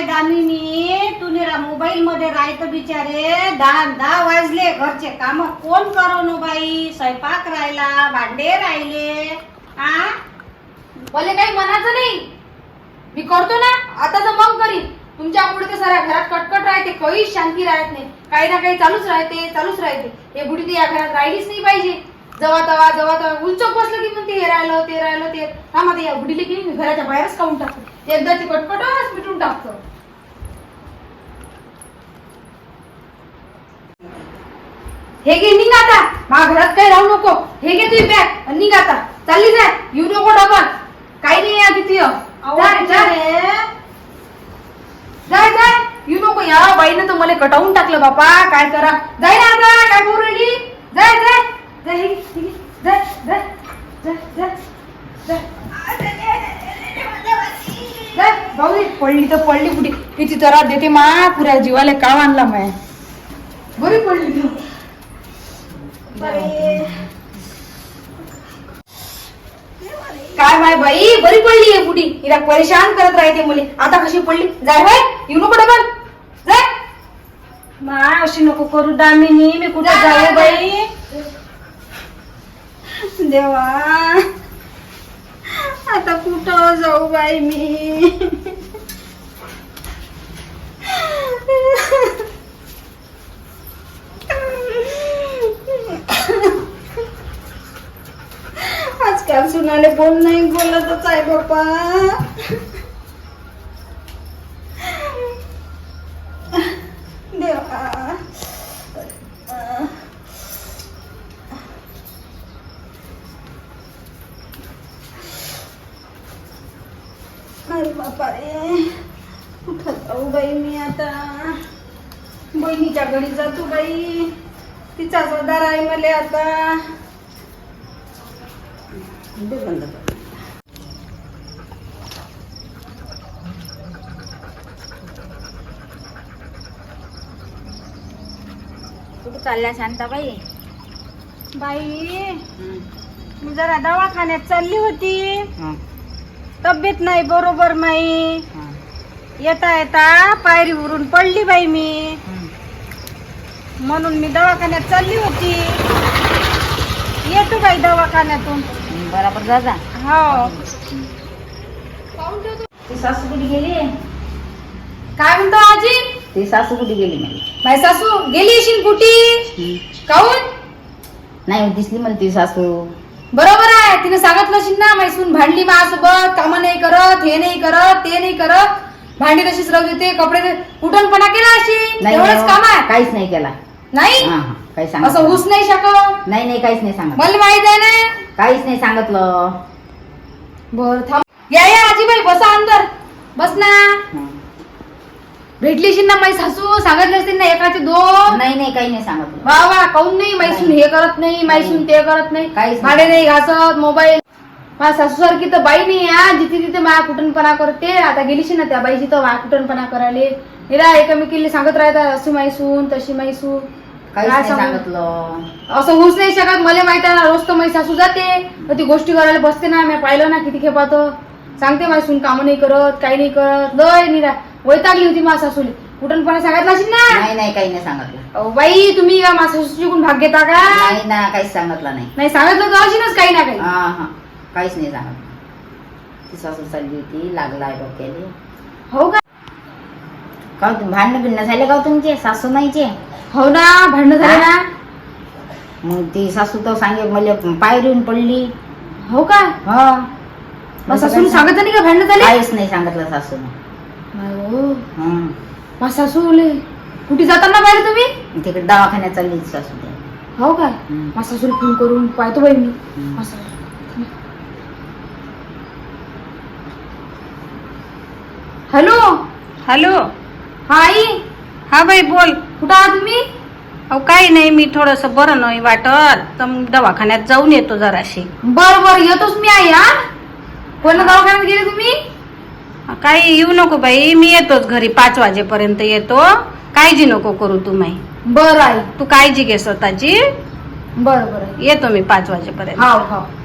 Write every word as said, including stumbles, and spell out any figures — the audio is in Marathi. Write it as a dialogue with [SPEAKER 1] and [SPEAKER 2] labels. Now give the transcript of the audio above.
[SPEAKER 1] माय दामिनी, तू निरा मोबाईल मध्ये राहत बिचारे. दहा दहा वाजले, घरचे काम कोण करू बाई? स्वयंपाक राहिला, भांडे राहिले. आ
[SPEAKER 2] मला काही म्हणायचं नाही, मी करतो ना आता तर मग करीन. तुमच्यामुळे ते साऱ्या घरात कटकट राहते, काहीच शांती राहत नाही. काही ना काही चालूच राहते चालूच राहते. हे बुडी तर या घरात राहिलीच नाही पाहिजे. जवा तवा जवा तवा उलचक बसलं की म्हणते हे राहिलं ते राहिलं ते. हा मग या बुडीले की मी घराच्या बाहेरच काढून टाकतो. एकदा ते कटकटच मिटून टाकतो. हे घे निघ आता, माझ्या घरात काही राहू नको. हे घे तुझी बॅग आणि निघ आता, चालली जाय. येऊ नको डबल, काही नाही या तिथे. जाय जाय जाय, येऊ नको. या बाईनं तर मला कटावून टाकलं बापा, काय करा. जाय ना आता, काय बोलू राहिली. जाय जाय जाय, हे घे, जाय जाय जाय जाय जाय जाय. भाऊ पडली तर पडली कुठे, किती त्रास देते मा. पुऱ्या जीवाला काव आणला माय. बरी पडली तू. काय माय बाई, बरी पडली आहे बुडी. हिला परेशान करत राहते मुली. आता कशी पडली. जाय होय, येऊ नको डबल. जाय
[SPEAKER 1] मा, अशी नको करू दामिनी. मी कुठे जाऊ बाई? देवा, आता कुठं जाऊ बाई मी? आजकाल सुनाले बोल नाही बोलतच आहे बाप्पा. देवा, अरे बापा रे, कुठं जाऊ बाई मी आता? बहिणीच्या घरी जातो बाई, तिचा जोदार आहे मला आता. बंद कर.
[SPEAKER 3] कुठं चालल्या शांताबाई?
[SPEAKER 1] बाई, मी जरा दवाखान्यात चालली होती. तब्येत नाही बरोबर माई. येता येता पायरीवरून पडली बाई मी, म्हणून मी दवाखान्यात चालली होती. येतो बाई दवाखान्यातून.
[SPEAKER 3] बरोबर जा जा.
[SPEAKER 1] हो.
[SPEAKER 3] ती सासू कुठे गेली?
[SPEAKER 2] काय म्हणतो आजी?
[SPEAKER 3] ती सासू कुठे गेली नाही?
[SPEAKER 2] माझी सासू गेली अशीन कुठी. काऊन
[SPEAKER 3] नाही दिसली मला ती सासू.
[SPEAKER 2] बरोबर आहे, तिने सांगितलं असेल ना. मैसून भांडली माझ्यासोबत, काम नाही करत, हे नाही करत, ते नाही करत. भांडी तशीच राहू देते, कपडे कुठणपणा केला असेल. एवढंच काम आहे.
[SPEAKER 3] काहीच नाही केला.
[SPEAKER 2] नाही
[SPEAKER 3] काही सांग
[SPEAKER 2] असं होऊच नाही शकत.
[SPEAKER 3] नाही नाही काहीच नाही सांगत.
[SPEAKER 2] मला माहित आहे ना.
[SPEAKER 3] काहीच नाही सांगितलं.
[SPEAKER 2] बर थांब. या या आजीबाई, बसा अंदर. बस ना. भेटली असेल ना माझी सासू. सांगितले असतील ना एकाचे दोन.
[SPEAKER 3] नाही नाही काही नाही सांगितलं.
[SPEAKER 2] वा वा, काऊन नाही. मैसून हे करत नाही, मैसून ते करत नाही.
[SPEAKER 3] काहीच
[SPEAKER 2] भाडे नाही घासत. मोबाईल. माझ्या सासू सारखी तर बाई नाही या, जिथे तिथे माया कुटणपणा करते. आता गेलीशी ना त्या बाईची तर माया कुटणपणा करायला. हिला एकमेकीला सांगत राहतात, अशी मैसून तशी मैसून.
[SPEAKER 3] काहीच नाही सांगितलं.
[SPEAKER 2] असं होऊच नाही शकत. मला माहिती आहे ना, रोज तर माझी सासू जाते, तर ती गोष्टी करायला बसते ना. मी पाहिलं ना किती खेपात. सांगते माझी सून काम नाही करत, काही नाही करत. लय निरा वैतागली होती माझ्या सासूली. कुठणपणा सांगितला असेल ना.
[SPEAKER 3] नाही नाही काही नाही सांगितलं.
[SPEAKER 2] अहो बाई, तुम्ही या माझ्या सासूची कोण भाग घेता का?
[SPEAKER 3] नाही ना, काहीच सांगितलं नाही.
[SPEAKER 2] नाही सांगितलं तर अशीनच काही ना काही.
[SPEAKER 3] हा हा, काहीच नाही सांगितलं. ती सासू चालली होती, लागला आहे डोक्याला.
[SPEAKER 2] हो का?
[SPEAKER 3] का तुम्ही भांडणं बिंडणं झाले का तुमचे सासू नाहीचे?
[SPEAKER 2] हो ना, भांडणं झाले ना.
[SPEAKER 3] मग ती सासू तर सांगे मला पायरी येऊन पडली.
[SPEAKER 2] हो का?
[SPEAKER 3] हा.
[SPEAKER 2] सासून सांगत नाही का भांडणं झाले?
[SPEAKER 3] काहीच नाही सांगितलं सासून.
[SPEAKER 2] माझी सासू कुठे जाताना पाहिलं तुम्ही?
[SPEAKER 3] तिकडे दवाखान्यात चालली सासू.
[SPEAKER 2] हो का? माझ्या सासूला फोन करून पाहतो बाई मी. Hello
[SPEAKER 1] hello.
[SPEAKER 2] हा आई.
[SPEAKER 1] हा बाई बोल.
[SPEAKER 2] कुठं आहात तुम्ही?
[SPEAKER 1] अहो काही नाही, मी थोडस बरं नाही वाटत तर मग दवाखान्यात जाऊन येतो जराशी.
[SPEAKER 2] बर बर, येतोच मी आई. हा, कोणत्या दवाखान्यात गेले तुम्ही?
[SPEAKER 1] काही येऊ नको बाई, मी येतोच घरी. पाच वाजेपर्यंत येतो. काळजी नको करू तुम्ही.
[SPEAKER 2] बर आई.
[SPEAKER 1] तू काळजी घे स्वतःची.
[SPEAKER 2] बर बर,
[SPEAKER 1] येतो मी पाच वाजेपर्यंत.
[SPEAKER 2] हाव हाव.